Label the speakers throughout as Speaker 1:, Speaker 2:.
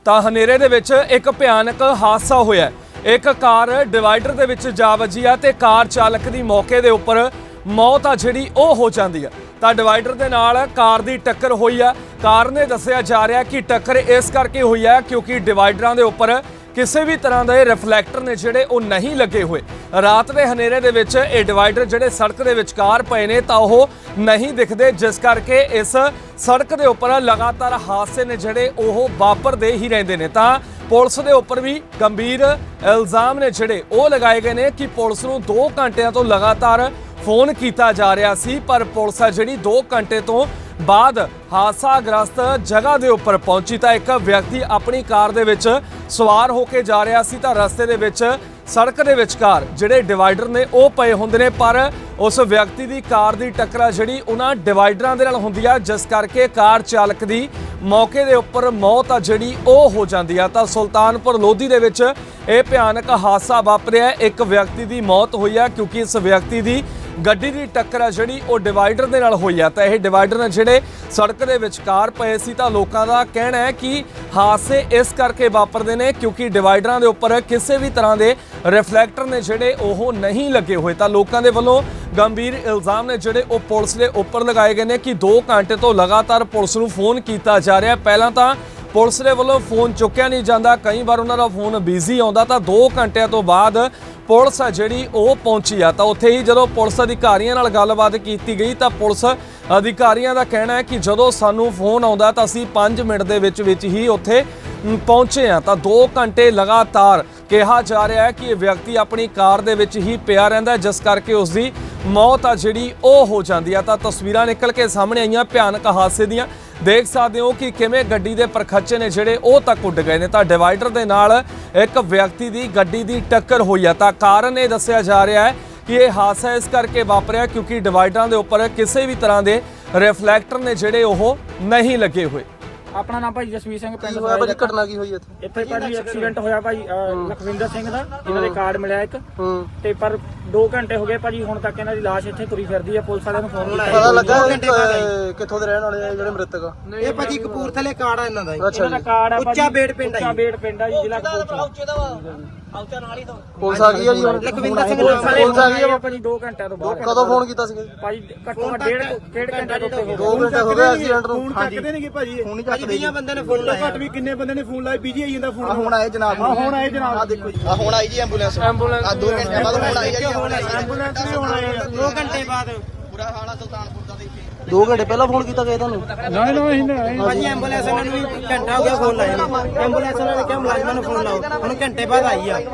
Speaker 1: ਤਾਂ ਹਨੇਰੇ ਦੇ ਵਿੱਚ ਇੱਕ ਭਿਆਨਕ ਹਾਦਸਾ ਹੋਇਆ। ਇੱਕ ਕਾਰ ਡਿਵਾਈਡਰ ਦੇ ਵਿੱਚ ਜਾ ਵੱਜੀ ਆ ਤੇ ਕਾਰ ਚਾਲਕ ਦੀ ਮੌਕੇ ਦੇ ਉੱਪਰ ਮੌਤ ਆ ਜਿਹੜੀ ਉਹ ਹੋ ਜਾਂਦੀ ਆ। ਤਾਂ ਡਿਵਾਈਡਰ ਦੇ ਨਾਲ ਕਾਰ ਦੀ ਟੱਕਰ ਹੋਈ ਆ। ਕਾਰ ਨੇ ਦੱਸਿਆ ਜਾ ਰਿਹਾ ਕਿ ਟੱਕਰ ਇਸ ਕਰਕੇ ਹੋਈ ਆ ਕਿਉਂਕਿ ਡਿਵਾਈਡਰਾਂ ਦੇ ਉੱਪਰ ਕਿਸੇ ਵੀ ਤਰ੍ਹਾਂ ਦੇ ਰਿਫਲੈਕਟਰ ਨੇ ਜਿਹੜੇ ਉਹ ਨਹੀਂ ਲੱਗੇ ਹੋਏ। ਰਾਤ ਦੇ ਹਨੇਰੇ ਦੇ ਵਿੱਚ ਇਹ ਡਿਵਾਈਡਰ ਜਿਹੜੇ ਸੜਕ ਦੇ ਵਿਚਕਾਰ ਪਏ ਨੇ ਤਾਂ ਉਹ ਨਹੀਂ ਦਿਖਦੇ, ਜਿਸ ਕਰਕੇ ਇਸ ਸੜਕ ਦੇ ਉੱਪਰ ਲਗਾਤਾਰ ਹਾਦਸੇ ਨੇ ਜਿਹੜੇ ਉਹ ਵਾਪਰਦੇ ਹੀ ਰਹਿੰਦੇ ਨੇ। ਤਾਂ ਪੁਲਿਸ ਦੇ ਉੱਪਰ ਵੀ ਗੰਭੀਰ ਇਲਜ਼ਾਮ ਨੇ ਜਿਹੜੇ ਉਹ ਲਗਾਏ ਗਏ ਨੇ ਕਿ ਪੁਲਿਸ ਨੂੰ 2 ਘੰਟਿਆਂ ਤੋਂ ਲਗਾਤਾਰ ਫੋਨ ਕੀਤਾ ਜਾ ਰਿਹਾ ਸੀ, ਪਰ ਪੁਲਿਸ ਆ ਜਿਹੜੀ 2 ਘੰਟੇ ਤੋਂ ਬਾਅਦ ਹਾਦਸਾਗ੍ਰਸਤ ਜਗ੍ਹਾ ਦੇ ਉੱਪਰ ਪਹੁੰਚੀ ਤਾਂ ਇੱਕ ਵਿਅਕਤੀ ਆਪਣੀ ਕਾਰ ਦੇ ਵਿੱਚ ਸਵਾਰ ਹੋ ਕੇ ਜਾ ਰਿਹਾ ਸੀ ਤਾਂ ਰਸਤੇ ਦੇ ਵਿੱਚ ਸੜਕ ਦੇ ਵਿਚਕਾਰ ਜਿਹੜੇ ਡਿਵਾਈਡਰ ਨੇ ਉਹ ਪਏ ਹੁੰਦੇ ਨੇ, ਪਰ ਉਸ ਵਿਅਕਤੀ ਦੀ ਕਾਰ ਦੀ ਟੱਕਰ ਜਿਹੜੀ ਉਹਨਾਂ ਡਿਵਾਈਡਰਾਂ ਦੇ ਨਾਲ ਹੁੰਦੀ ਆ, ਜਿਸ ਕਰਕੇ ਕਾਰ ਚਾਲਕ ਦੀ ਮੌਕੇ ਦੇ ਉੱਪਰ ਮੌਤ ਆ ਜਿਹੜੀ ਉਹ ਹੋ ਜਾਂਦੀ ਆ। ਤਾਂ ਸੁਲਤਾਨਪੁਰ ਲੋਧੀ ਦੇ ਵਿੱਚ ਇਹ ਭਿਆਨਕ ਹਾਦਸਾ ਵਾਪਰਿਆ। ਇੱਕ ਵਿਅਕਤੀ ਦੀ ਮੌਤ ਹੋਈ ਆ ਕਿਉਂਕਿ ਇਸ ਵਿਅਕਤੀ ਦੀ ਗੱਡੀ ਦੀ ਟੱਕਰ ਆ ਜਿਹੜੀ ਉਹ ਡਿਵਾਈਡਰ ਦੇ ਨਾਲ ਹੋਈ ਆ। ਤਾਂ ਇਹ ਡਿਵਾਈਡਰ ਨੇ ਜਿਹੜੇ ਸੜਕ ਦੇ ਵਿਚਕਾਰ ਪਏ ਸੀ ਤਾਂ ਲੋਕਾਂ ਦਾ ਕਹਿਣਾ ਹੈ ਕਿ ਹਾਦਸੇ ਇਸ ਕਰਕੇ ਵਾਪਰਦੇ ਨੇ ਕਿਉਂਕਿ ਡਿਵਾਈਡਰਾਂ ਦੇ ਉੱਪਰ ਕਿਸੇ ਵੀ ਤਰ੍ਹਾਂ ਦੇ ਰਿਫਲੈਕਟਰ ਨੇ ਜਿਹੜੇ ਉਹ ਨਹੀਂ ਲੱਗੇ ਹੋਏ। ਤਾਂ ਲੋਕਾਂ ਦੇ ਵੱਲੋਂ ਗੰਭੀਰ ਇਲਜ਼ਾਮ ਨੇ ਜਿਹੜੇ ਉਹ ਪੁਲਿਸ ਦੇ ਉੱਪਰ ਲਗਾਏ ਗਏ ਨੇ ਕਿ 2 ਘੰਟੇ ਤੋਂ ਲਗਾਤਾਰ ਪੁਲਿਸ ਨੂੰ ਫੋਨ ਕੀਤਾ ਜਾ ਰਿਹਾ। ਪਹਿਲਾਂ ਤਾਂ ਪੁਲਿਸ ਦੇ ਵੱਲੋਂ ਫੋਨ ਚੁੱਕਿਆ ਨਹੀਂ ਜਾਂਦਾ, ਕਈ ਵਾਰ ਉਹਨਾਂ ਦਾ ਫੋਨ ਬਿਜ਼ੀ ਆਉਂਦਾ, ਤਾਂ 2 ਘੰਟਿਆਂ ਤੋਂ ਬਾਅਦ ਪੁਲਿਸ ਆ ਜਿਹੜੀ ਉਹ ਪਹੁੰਚੀ ਆ। ਤਾਂ ਉੱਥੇ ਹੀ ਜਦੋਂ ਪੁਲਿਸ ਅਧਿਕਾਰੀਆਂ ਨਾਲ ਗੱਲਬਾਤ ਕੀਤੀ ਗਈ ਤਾਂ ਪੁਲਿਸ ਅਧਿਕਾਰੀਆਂ ਦਾ ਕਹਿਣਾ ਹੈ ਕਿ ਜਦੋਂ ਸਾਨੂੰ ਫੋਨ ਆਉਂਦਾ ਤਾਂ ਅਸੀਂ 5 ਮਿੰਟ ਦੇ ਵਿੱਚ ਹੀ ਉੱਥੇ ਪਹੁੰਚੇ ਆ। ਤਾਂ 2 ਘੰਟੇ ਲਗਾਤਾਰ ਕਿਹਾ ਜਾ ਰਿਹਾ ਹੈ ਕਿ ਇਹ ਵਿਅਕਤੀ ਆਪਣੀ ਕਾਰ ਦੇ ਵਿੱਚ ਹੀ ਪਿਆ ਰਹਿੰਦਾ, ਜਿਸ ਕਰਕੇ ਉਸ ਦੀ ਮੌਤ ਆ ਜਿਹੜੀ ਉਹ ਹੋ ਜਾਂਦੀ ਆ। ਤਾਂ ਤਸਵੀਰਾਂ ਨਿਕਲ ਕੇ ਸਾਹਮਣੇ ਆਈਆਂ ਭਿਆਨਕ ਹਾਦਸੇ ਦੀਆਂ, ਦੇਖ ਸਕਦੇ ਹੋ ਕਿ ਕਿਵੇਂ ਗੱਡੀ ਦੇ ਪਰਖੱਚੇ ਨੇ ਜਿਹੜੇ ਉਹ ਤੱਕ ਉੱਡ ਗਏ ਨੇ। ਤਾਂ ਡਿਵਾਈਡਰ ਦੇ ਨਾਲ ਇੱਕ ਵਿਅਕਤੀ ਦੀ ਗੱਡੀ ਦੀ ਟੱਕਰ ਹੋਈ ਆ। ਤਾਂ ਕਾਰਨ ਇਹ ਦੱਸਿਆ ਜਾ ਰਿਹਾ ਹੈ ਕਿ ਇਹ ਹਾਦਸਾ ਇਸ ਕਰਕੇ ਵਾਪਰਿਆ ਕਿਉਂਕਿ ਡਿਵਾਈਡਰਾਂ ਦੇ ਉੱਪਰ ਕਿਸੇ ਵੀ ਤਰ੍ਹਾਂ ਦੇ ਰਿਫਲੈਕਟਰ ਨੇ ਜਿਹੜੇ ਉਹ ਨਹੀਂ ਲੱਗੇ ਹੋਏ।
Speaker 2: ਆਪਣਾ ਨਾਮ ਭਾਈ ਜਸਵੀਰ ਸਿੰਘ, ਪਿੰਡ
Speaker 3: ਹੋਇਆ ਭਾਜੀ, ਘਟਨਾ ਕੀ ਹੋਈ
Speaker 2: ਇੱਥੇ ਭਾਜੀ ਐਕਸੀਡੈਂਟ ਹੋਇਆ ਭਾਈ ਲਖਵਿੰਦਰ ਸਿੰਘ ਦਾ, ਇਹਨਾਂ ਦੇ ਕਾਰਡ ਮਿਲਿਆ ਇੱਕ ਤੇ ਪਰ 2 ਘੰਟੇ ਹੋ ਗਏ ਭਾਜੀ, ਹੁਣ ਤੱਕ ਇਹਨਾਂ ਦੀ ਲਾਸ਼ ਇੱਥੇ ਤੁਰੀ ਫਿਰਦੀ ਆ। ਪੁਲਿਸ ਵਾਲਿਆਂ ਨੂੰ ਫੋਨ ਲਾਇਆ,
Speaker 3: ਪਤਾ ਲੱਗਾ ਕਿੱਥੋਂ ਦੇ ਰਹਿਣ ਵਾਲੇ ਆ ਜਿਹੜੇ ਮ੍ਰਿਤਕ ਆ?
Speaker 4: ਇਹ ਭਾਜੀ ਕਪੂਰਥਲੇ ਕਾਰਡ ਆ ਇਹਨਾਂ ਦਾ।
Speaker 2: ਇਹਨਾਂ ਦਾ ਕਾਰਡ ਆ ਭਾਜੀ
Speaker 4: ਉੱਚਾ ਬੇੜ ਪਿੰਡ ਆ,
Speaker 2: ਉੱਚਾ ਬੇੜ ਪਿੰਡ ਆ ਜੀ, ਜ਼ਿਲ੍ਹਾ ਕਪੂਰਥਲਾ।
Speaker 3: ਪੁਲਿਸ ਆ ਗਈ ਆ ਜੀ ਹੁਣ?
Speaker 4: ਲਖਵਿੰਦਰ ਸਿੰਘ
Speaker 2: ਪੁਲਿਸ ਆ ਗਈ ਆ ਭਾਜੀ 2 ਘੰਟਿਆਂ ਤੋਂ ਬਾਅਦ।
Speaker 3: ਕਦੋਂ ਫੋਨ ਕੀਤਾ ਸੀ
Speaker 2: ਭਾਜੀ ਘੱਟੋ ਘੱਟ ਡੇਢ ਘੰਟੇ ਤੋਂ ਉੱਤੇ
Speaker 3: 2 ਘੰਟੇ ਹੋ ਗਏ ਐਕਸੀਡੈਂਟ ਨੂੰ।
Speaker 5: ਚੱਕਦੇ ਨੇਗੇ ਭਾਜੀ,
Speaker 3: ਫੋਨ ਨਹੀਂ ਚੱਕਦੇ ਜੀ।
Speaker 4: ਬੰਦੇ ਨੇ ਫੋਨ ਲਾਇਆ,
Speaker 5: ਘੱਟ ਵੀ ਕਿੰਨੇ ਬੰਦੇ ਨੇ ਫੋਨ ਲਾਇਆ, ਬਿਜੀ ਆਈ ਜਾਂਦਾ ਫੋਨ।
Speaker 3: ਹੁਣ ਆਏ ਜਨਾਬ,
Speaker 5: ਹੁਣ ਆਏ ਜਨਾਬ,
Speaker 3: ਆ ਦੇਖੋ ਜੀ, ਆ ਹੁਣ ਆਈ ਜੀ ਐਂਬੂਲੈਂਸ। ਆ 2 ਘੰਟੇ ਬਾਅਦ ਹੁਣ ਆਈ ਜੀ
Speaker 5: ਐਂਬੂਲੈਂਸ ਵੀ ਹੁਣ ਆਈ
Speaker 4: 2 ਘੰਟੇ ਬਾਅਦ।
Speaker 3: ਬੁਰਾ ਹਾਲ ਆ ਸੁਲਤਾਨਪੁਰ ਦਾ। 2 ਘੰਟੇ ਪਹਿਲਾਂ ਫੋਨ ਕੀਤਾ ਗਿਆ ਤੁਹਾਨੂੰ?
Speaker 5: ਨਹੀਂ
Speaker 4: ਭਾਜੀ ਐਂਬੂਲੈਂਸ ਵਾਲਿਆਂ ਨੂੰ ਵੀ ਘੰਟਾ ਹੋ ਗਿਆ ਫੋਨ ਲਾਇਆ ਨੂੰ। ਐਂਬੂਲੈਂਸ ਵਾਲਿਆਂ ਨੇ ਕਿਹਾ ਮੁਲਾਜ਼ਮਾਂ ਨੂੰ ਫੋਨ ਲਾਓ, ਹੁਣ ਘੰਟੇ ਬਾਅਦ ਆਈ ਆ।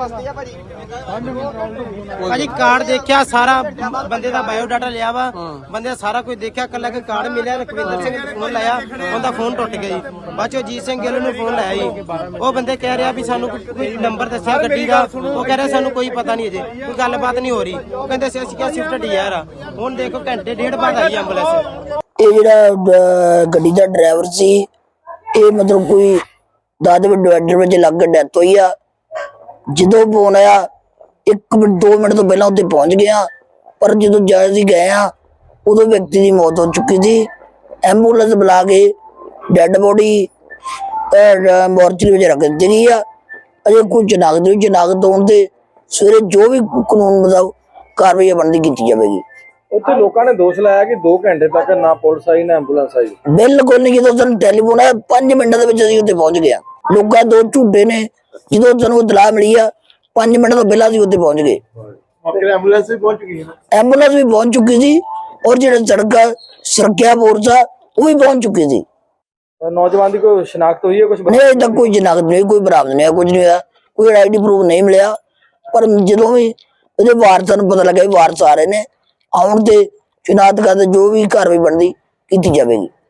Speaker 4: ਭਾਜੀ ਕਾਰਡ ਦੇਖਿਆ, ਸਾਰਾ ਬੰਦੇ ਦਾ ਬਾਇਓਡਾਟਾ ਲਿਆ ਵਾ, ਬੰਦੇ ਦਾ ਸਾਰਾ ਕੁਝ ਦੇਖਿਆ, ਕੱਲਾ ਕਿ ਕਾਰਡ ਮਿਲਿਆ। ਰਕਵਿੰਦਰ ਸਿੰਘ ਨੂੰ ਫੋਨ ਲਾਇਆ, ਉਹਦਾ ਫੋਨ ਟੁੱਟ ਗਿਆ ਜੀ। ਬਾਅਦ ਚੋਂ ਅਜੀਤ ਸਿੰਘ ਗਿੱਲ ਨੂੰ ਫੋਨ ਲਾਇਆ ਜੀ, ਉਹ ਬੰਦੇ ਕਹਿ ਰਿਹਾ ਵੀ ਸਾਨੂੰ ਕੋਈ ਨੰਬਰ ਦੱਸਿਆ ਗੱਡੀ ਦਾ, ਉਹ ਕਹਿ ਰਿਹਾ ਸਾਨੂੰ ਕੋਈ ਪਤਾ ਨਹੀਂ ਅਜੇ, ਕੋਈ ਗੱਲਬਾਤ ਨਹੀਂ ਹੋ ਰਹੀ। ਉਹ ਕਹਿੰਦੇ ਅਸੀਂ ਕਿਹਾ ਸ਼ਿਫਟ ਡੀਆਰ ਆ। ਹੁਣ ਦੇਖੋ ਘੰਟੇ ਡੇਢ ਬਾਅਦ ਆਈ ਐਂਬੂਲੈਂਸ।
Speaker 6: ਇਹ ਜਿਹੜਾ ਗੱਡੀ ਦਾ ਡਰਾਈਵਰ ਸੀ, ਇਹ ਮਤਲਬ ਕੋਈ ਦਾਦੇ ਡਿਵਾਈਡਰ ਵਿੱਚ ਲੱਗ ਕੇ ਡੈਥ ਹੋਈ ਆ। ਜਦੋਂ ਫੋਨ ਆਇਆ 1 ਮਿੰਟ 2 ਮਿੰਟ ਤੋਂ ਪਹਿਲਾਂ ਉੱਥੇ ਪਹੁੰਚ ਗਿਆ, ਪਰ ਜਦੋਂ ਜਾ ਅਸੀਂ ਗਏ ਆ ਉਦੋਂ ਵਿਅਕਤੀ ਦੀ ਮੌਤ ਹੋ ਚੁੱਕੀ ਸੀ। ਐਂਬੂਲੈਂਸ ਬੁਲਾ ਕੇ ਡੈੱਡ ਬੋਡੀ ਮੋਰਚਰੀ ਵਿੱਚ ਰੱਖ ਦਿੱਤੀ ਗਈ ਆ। ਅਜੇ ਕੋਈ ਚਨਾਖਤ ਹੋਣ ਤੇ ਸਵੇਰੇ ਜੋ ਵੀ ਕਾਨੂੰਨ ਮੁਤਾਬਕ ਕਾਰਵਾਈ ਬਣਦੀ ਕੀਤੀ ਜਾਵੇਗੀ।
Speaker 7: ਉੱਥੇ ਲੋਕਾਂ ਨੇ ਦੋਸ਼ ਲਾਇਆ ਕਿ 2 ਘੰਟੇ ਤੱਕ ਨਾ ਪੁਲਿਸ ਆਈ ਨਾ ਐਂਬੂਲੈਂਸ ਆਈ।
Speaker 6: ਬਿਲਕੁਲ ਨਹੀਂ, ਜਦੋਂ ਸਾਨੂੰ ਟੈਲੀਫੋਨ ਆਇਆ 5 ਮਿੰਟਾਂ ਦੇ ਵਿੱਚ ਅਸੀਂ ਉੱਥੇ ਪਹੁੰਚ ਗਏ। ਲੋਕਾਂ ਦੋ ਝੂਠੇ ਨੇ, ਜਦੋਂ ਸਾਨੂੰ ਇਤਲਾਹ ਮਿਲੀ ਆ 5 ਮਿੰਟ ਤੋਂ ਪਹਿਲਾਂ ਅਸੀਂ ਉੱਥੇ ਪਹੁੰਚ ਗਏ।
Speaker 7: ਐਂਬੂਲੈਂਸ ਵੀ ਪਹੁੰਚ ਗਈ ਹੈ?
Speaker 6: ਐਂਬੂਲੈਂਸ ਵੀ ਪਹੁੰਚ ਚੁੱਕੀ ਸੀ ਔਰ ਜਿਹੜਾ ਸੜਕ ਸੁਰੱਖਿਆ ਫੋਰਸ ਆ ਉਹ ਵੀ ਪਹੁੰਚ ਚੁੱਕੀ ਸੀ।
Speaker 7: ਨੌਜਵਾਨ ਦੀ ਕੋਈ ਸ਼ਨਾਖਤ ਹੋਈ ਹੈ? ਕੁਝ
Speaker 6: ਨਹੀਂ, ਅਜੇ ਤੱਕ ਕੋਈ ਸ਼ਨਾਖਤ ਨਹੀਂ, ਕੋਈ ਬਰਾਮਦ ਨਹੀਂ, ਕੁਝ ਨਹੀਂ ਹੋਇਆ, ਕੋਈ ਆਈਡੀ ਪ੍ਰੂਫ ਨਹੀਂ ਮਿਲਿਆ। ਪਰ ਜਦੋਂ ਵੀ ਉਹਦੇ ਵਾਰਸਾਂ ਨੂੰ ਪਤਾ ਲੱਗਾ ਵਾਰਸ ਆ ਰਹੇ ਨੇ, ਆਉਣ ਤੇ ਸ਼ਨਾਖਤ ਕਰਦੇ ਜੋ ਵੀ ਕਾਰਵਾਈ ਬਣਦੀ ਕੀਤੀ ਜਾਵੇਗੀ।